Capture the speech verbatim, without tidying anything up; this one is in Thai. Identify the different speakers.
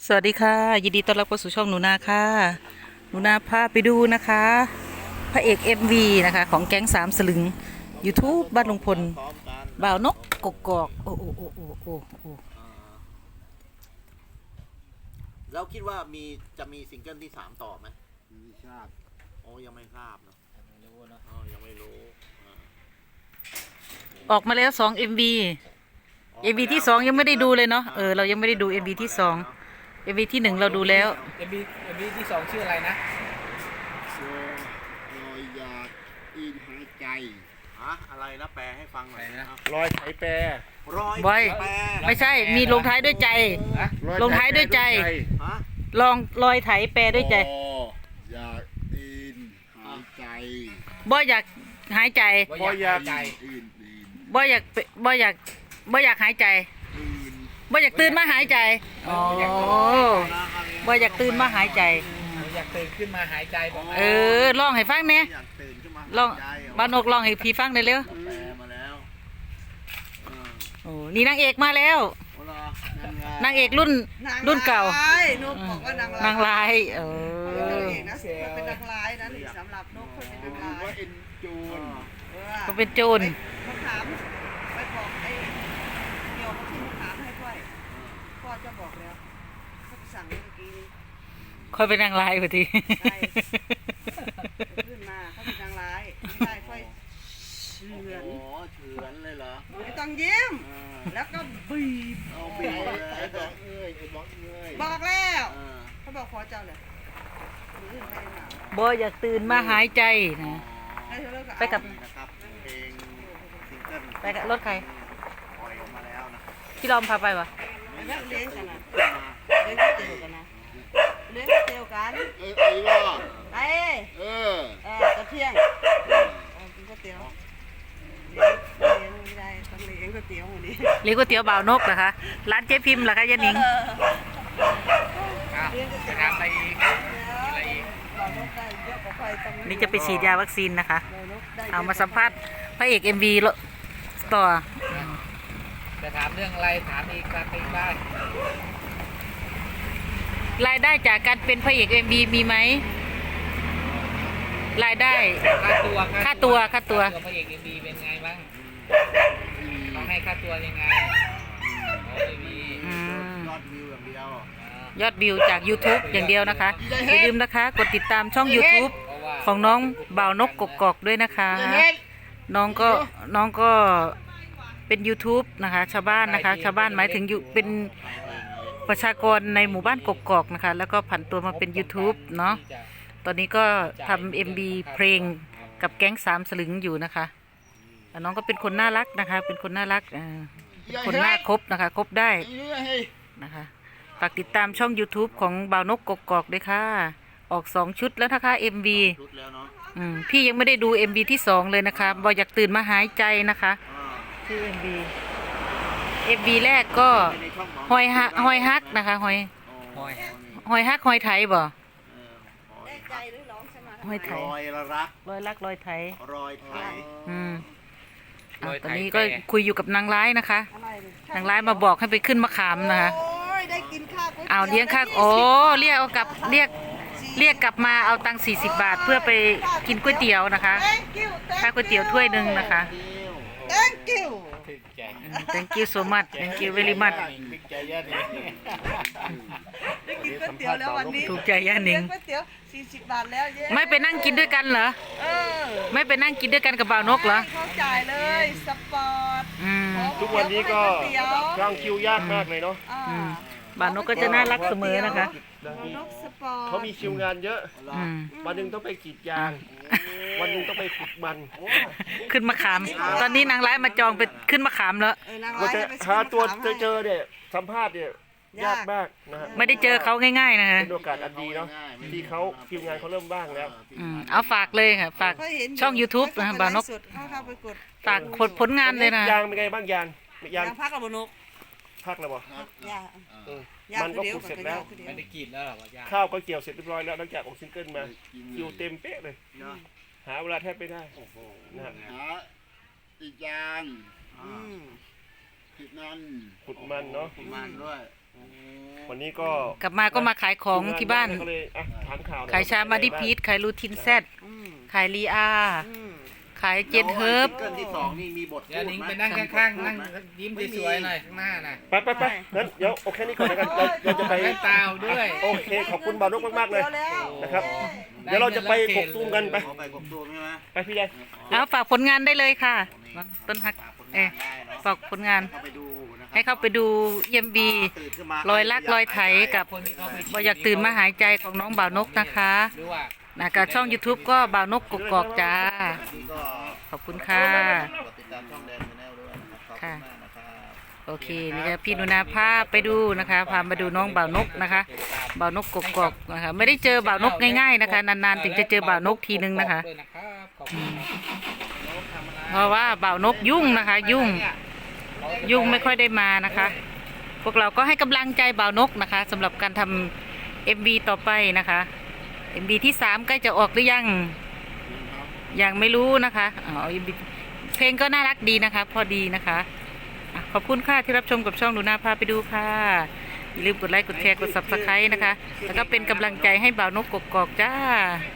Speaker 1: สวัสดีค่ะยินดีต้อนรับเข้าสู่ช่องหนูนาค่ะหนูนาพาไปดูนะคะพระเอก เอ็ม วี นะคะของแก๊งสามสลึง YouTube บ้านลุงพลบ่าวนกกกอกโอ้โอ้โอ้โอ้โอ้โอ้
Speaker 2: แล้วคิดว่ามีจะมีซิงเกิลที่สามต่อไหม
Speaker 3: ไม่ทราบ
Speaker 2: โอ้ยังไม่ทราบเนาะยังไม่รู้เนาะอ๋อยังไม่รู้
Speaker 1: ออกมาแล้วสอง เอ็ม วี เอ็ม วี ที่สองยังไม่ได้ดูเลยเนาะเออเรายังไม่ได้ดู เอ็ม วี ที่สอง เอ็ม วี ที่หนึ่งเราดูแล้ว
Speaker 4: เอ็มบีเอ็มบีที่สองชื่ออะไรนะ
Speaker 3: โซรอยอยากอินหายใจ
Speaker 2: ฮะอะไรนะแปลให้ฟังหน่อยนะ
Speaker 4: รอยไถแปร
Speaker 2: รอย
Speaker 1: บอยไม่ใช่มีลงท้ายด้วยใจลงท้ายด้วยใจ
Speaker 2: ฮะ
Speaker 1: ลองรอยไถแปรด้วยใจ
Speaker 3: อยากอินหายใจ
Speaker 1: บอยอยากหายใจ
Speaker 4: บอยอยากใจ
Speaker 1: บอยอยากบอยอยากบอยอยากหายใจบอยอยากตื่นมาหายใจอ๋อบอยอยากตื่นมาหายใจ
Speaker 4: อยากตื่นขึ้นมาหายใจ
Speaker 1: เออลองให้ฟังเนี่ยลองบ้านนกลองให้พี่ฟังได้เร็ว
Speaker 2: มาแล้ว
Speaker 1: โอ้นี่นางเอกมาแล้วนางเอกรุ่นรุ่นเก่า
Speaker 5: นุ๊กบอกว่านาง
Speaker 1: นางลายเออ
Speaker 5: เป็นนางร้ายนะสำหรับนุ๊กเขาเป็นนางร้าย
Speaker 3: ว่าเอ็นจูน
Speaker 1: เขาเป็นโจร
Speaker 5: มาถามไปบอกไอ้เกี่ยวกับที่มาถามให้ค่อยพ่อจะบอกแล้วเขาสั่งเมื่อกี้นี้
Speaker 1: ค่อยเป็นนางลายพอดี
Speaker 5: ขึ้นมาเขาเป็นนางร้ายไม่ได้ค่อยเฉือน
Speaker 2: โอ้เฉือนเลยเหรอ
Speaker 5: ไม่ต้องยิ้มแล้วก็บีบ
Speaker 2: เอาบีบเลย
Speaker 3: ไอ้บอกเอ้ยไอ้บอกเอ้ย
Speaker 5: บอกแล้วเขาบอกขอเจ้าเลย
Speaker 1: บอยอยากตื่นมาหายใจนะไปกับ
Speaker 2: นะครับเพลงซิงเกิล
Speaker 1: ไปกับรถใคร
Speaker 2: ปล่อยออกมาแล้วนะ
Speaker 1: พี่ลอมพาไปวะ
Speaker 5: เลี้ยงกันนะเลี้ยงก๋วยเตี๋ยวกันนะเลี้ยงก๋วยเตี๋ยวกัน
Speaker 3: เออไอ้ล่ะ
Speaker 5: ไอ้
Speaker 3: เออ
Speaker 5: เออกระเทียมกินก๋วยเตี๋ยวเลี้ยงไม่ได้ต้องเลี้ยงก๋วยเตี๋ยววันนี้
Speaker 1: เลี้ยงก๋วยเตี๋ยวบ่าวนกเหรอคะร้านเจ๊พิมพ์เหรอคะยานิง
Speaker 4: จะทำอะไรอีกอะไรอีก
Speaker 1: นี่จะไปฉีดยาวัคซีนนะคะเอามาสัมภาษณ์พระเอก เอ็ม วี ต่อ
Speaker 4: จะถามเรื่องอะไรถามอีกถามอีกได้
Speaker 1: รายได้จากการเป็นพระเอก เอ็ม วี มีไหมรายได้
Speaker 4: ค่าตัว
Speaker 1: ค่าตัวค่าตัว
Speaker 4: พระเอก เอ็ม วี เป็นไงบ้างต้องให้ค่าตัวยังไง
Speaker 2: ยอดวิวอย่างเดียวย
Speaker 1: อดวิวจาก YouTube อย่างเดียวนะคะอย่าลืมนะคะกดติดตามช่อง YouTube ของน้องบ่าวนกกกอกด้วยนะคะน้องก็น้องก็เป็น YouTube นะคะชาวบ้านนะคะชาวบ้านหมายถึงอยู่เป็นประชากรในหมู่บ้านกกอกนะคะแล้วก็ผันตัวมาเป็น YouTube เนาะตอนนี้ก็ทำ เอ็ม วี เพลงกับแก๊งสามสลึงอยู่นะคะน้องก็เป็นคนน่ารักนะคะเป็นคนน่ารักคนน่าคบนะคะคบได้นะคะฝากติดตามช่อง YouTube ของบ่าวนกกกอกด้วยค่ะออกสองชุดแล้วนะคะ เอ็ม วี อืมพี่ยังไม่ได้ดู เอ็ม วี ที่สองเลยนะคะบอยอยากตื่นมาหายใจนะคะชื่อ เอ็ม วี เอ็ม วี แรกก็หอยฮักหอยฮักนะคะหอยหอยฮักหอยไถบ่หอยไถ
Speaker 2: รอยรัก
Speaker 1: รอยรักรอยไถ
Speaker 2: รอยไถ
Speaker 1: อืมตอนนี้ก็คุยอยู่กับนางร้ายนะคะนางร้ายมาบอกให้ไปขึ้นมะขามนะคะ
Speaker 5: ได้กินข้าว
Speaker 1: เอาเลี้ยงข้าวโอ้เรียกเอากลับเรียกเรียกกลับมาเอาตังค์สี่สิบบาทเพื่อไปกินก๋วยเตี๋ยวนะคะค่าก๋วยเตี๋ยวถ้วยหนึ่งนะคะ
Speaker 5: thank you
Speaker 1: thank you so much thank you very much
Speaker 5: ได้กินก๋วยเตี๋ยวแล้ววันนี้
Speaker 1: ถูกใจย่าหนิง
Speaker 5: ก๋วยเตี๋ยวสี่สิบบาทแล้ว
Speaker 1: ไม่ไปนั่งกินด้วยกันเหรอไม่ไปนั่งกินด้วยกันกับบ่าวนกเหรอ
Speaker 5: เขาจ่ายเลยสปอร์ต
Speaker 3: ทุกวันนี้ก็ร่างคิวยากมากเลยเนาะ
Speaker 1: บ่าวนกก็จะน่ารักเสมอนะคะ
Speaker 3: เขามีคิวงานเยอะวันหนึ่งต้องไปกรีดยางวันหนึ่งต้องไปขุดมัน
Speaker 1: ขึ้นมะขามตอนนี้นางร้ายมาจองไปขึ้นมะขามแล้ว
Speaker 3: หาตัวเจอเนี่ยสัมภาษณ์เนี่ยยากมากนะฮะ
Speaker 1: ไม่ได้เจอเขาง่ายๆนะฮะ
Speaker 3: เป็นโอกาสอันดีเนาะที่เขาคิวงานเขาเริ่มว่างแล้ว
Speaker 1: เอาฝากเลยค่ะฝากช่อง YouTube นะบ่าวนกฝากผลงานเลยนะ
Speaker 3: ยางเป็นไงบ้างยาง
Speaker 5: ยางพักกับบ่นก
Speaker 3: พักแล้วบ่มันก็ขุดเสร็จแล้ว
Speaker 4: ไม่ได้กินแล้วหรอ
Speaker 3: ข้าวก็เกี่ยวเสร็จเรียบร้อยแล้วหลังจากออกซิงเกิลมาคิวเต็มเป๊ะเลยหาเวลาแทบไม่ได้นะ
Speaker 2: หาอีกอย่างขุดมัน
Speaker 3: ขุดมันเนาะ
Speaker 2: ขุดมันด้วย
Speaker 3: วันนี้ก็
Speaker 1: กลับมาก็มาขายของที่บ้าน
Speaker 3: ก็เลยอ่ะถามข่าวหน่อ
Speaker 1: ขายชามาดิพีทขายลูทินแซด
Speaker 5: อืม
Speaker 1: ขายลีอา
Speaker 5: อืม
Speaker 1: ขายเจนเฮิร์บ
Speaker 2: ซิงเกิลที่สองนี่มีบท
Speaker 4: เดี๋ยว
Speaker 2: พูด
Speaker 4: นิ้ง
Speaker 2: ไหม
Speaker 4: ไปนั่งข้างๆนั่งยิ้มสวยๆหน่อยข้างหน้าน่ะ
Speaker 3: ไปไปไปงั้นเดี๋ยวโอเคนี่ก่อนแล้วกันเราเราจะไป
Speaker 4: แว่นตาด้วย
Speaker 3: โอเคขอบคุณบาวนกมากๆเลย
Speaker 5: ดี๋วแล้ว
Speaker 3: นะครับ เดี๋ยวเราจะไปกกตูมกันไป
Speaker 2: ขอไปกบตูมใช่ไหม
Speaker 3: ไปพี่ใหญ่
Speaker 1: เอาฝากผลงานได้เลยค่ะต้นฮัก เออฝากผลงาน
Speaker 2: เข้าไปดูนะครับ
Speaker 1: ให้เข้าไปดูเยี่ยมบี
Speaker 2: ตื่นขึ้นมาร
Speaker 1: อยลักรอยไถกับ
Speaker 4: คนที่เขาไป
Speaker 1: บอยากตื่นมาหายใจของน้องบ่าวนกนะคะ
Speaker 4: หรือว่า
Speaker 1: นะกับช่อง YouTube ก็บ่าวนกกกอกจ้า
Speaker 2: นี่ก็
Speaker 1: ขอบคุณค่ะ
Speaker 2: กดติดตามช่องแดนชาแนลด้วยนะครับขอบคุณ
Speaker 1: ค่ะ
Speaker 2: มากนะครับ
Speaker 1: โอเคนี่ก็พี่หนุนาพาไปดูนะคะพามาดูน้องบ่าวนกนะคะบ่าวนกกกอกนะคะไม่ได้เจอบ่าวนกง่ายๆนะคะนานๆถึงจะเจอบ่าวนกทีนึงนะคะ
Speaker 4: ด้วยนะครับขอบคุณครับ
Speaker 1: เพราะว่าบ่าวนกยุ่งนะคะ ยุ่งยุ่งไม่ค่อยได้มานะคะ พวกเราก็ให้กำลังใจบ่าวนกนะคะสำหรับการทำเอ็มวีต่อไปนะคะเอ็มวีที่สามใกล้จะออกหรือยังยังไม่รู้นะคะอ๋อ เอ็ม วี เพลงก็น่ารักดีนะคะ พอดีนะคะอ่ะขอบคุณค่ะที่รับชมกับช่องหนูนาพาไปดูค่ะอย่าลืมกดไลค์กดแชร์กดซับสไครต์นะคะ แล้วก็เป็นกำลังใจให้บ่าวนกกกอกจ้า